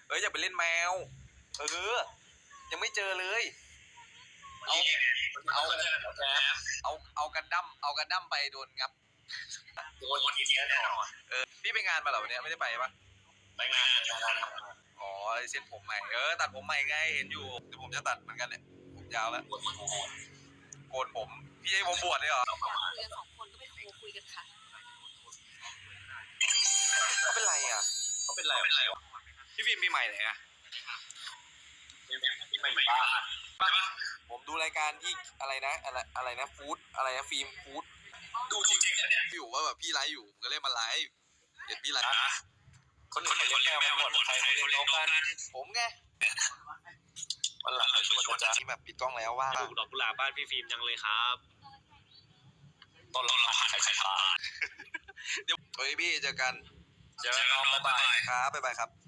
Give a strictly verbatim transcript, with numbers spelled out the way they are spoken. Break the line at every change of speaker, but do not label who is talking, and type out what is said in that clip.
เอ้ยอย่าไปเล่นแมวเออยังไม่เจอเลยเอาเอาเอาเอากันดั้มเอากันดั้มไปโดนงับ
โดนทีเดียวแน่นอน
เออพี่ไปงานมาเหรอวันนี้ไม่ได้ไปปะ
ไปงานงาน
อ๋อเซ็ตผมใหม่เออตัดผมใหม่ไงเห็นอยู่เดี๋ยวผมจะตัดเหมือนกันเนี่ยผมยาวแล้วโกนผมพี่ให้ผมบวชเลยเหรอ
อยากคุยกันสองคนก็ไปโทรคุยกันค่ะ
เขาเป็นไรอ่ะ
เขาเป็นไรเป็นไร
พี่ฟิล์มปีใหม่ไหนอ่ะ
ที่ไม่บ้าน
ผมดูรายการที่อะไรนะอะไรอะไรนะฟู้ดอะไรนะฟิล์มฟู้ด
ดูจริงๆเนี่ย
อยู่ว่าแบบพี่ไลฟ์อยู่ผมก็เลยมาไลฟ์เห็นพี่ไลฟ์
คนอื่นเขาเลี้ยงแมวหมดใครเขาเลี้ยงนกกัน
ผมไง
วันหลังเขาชวนจะ
ที่แบบปิดกล้องแล้วว่า
ปลูกดอกกุหลาบบ้านพี่ฟิล์มจังเลยครับ
ต้นละพันใครใครผ่าน
เดี๋ยวเฮ้ยพี่เจอกัน
เจอกันน้องบ๊ายบาย
ครับบ๊ายบายครับ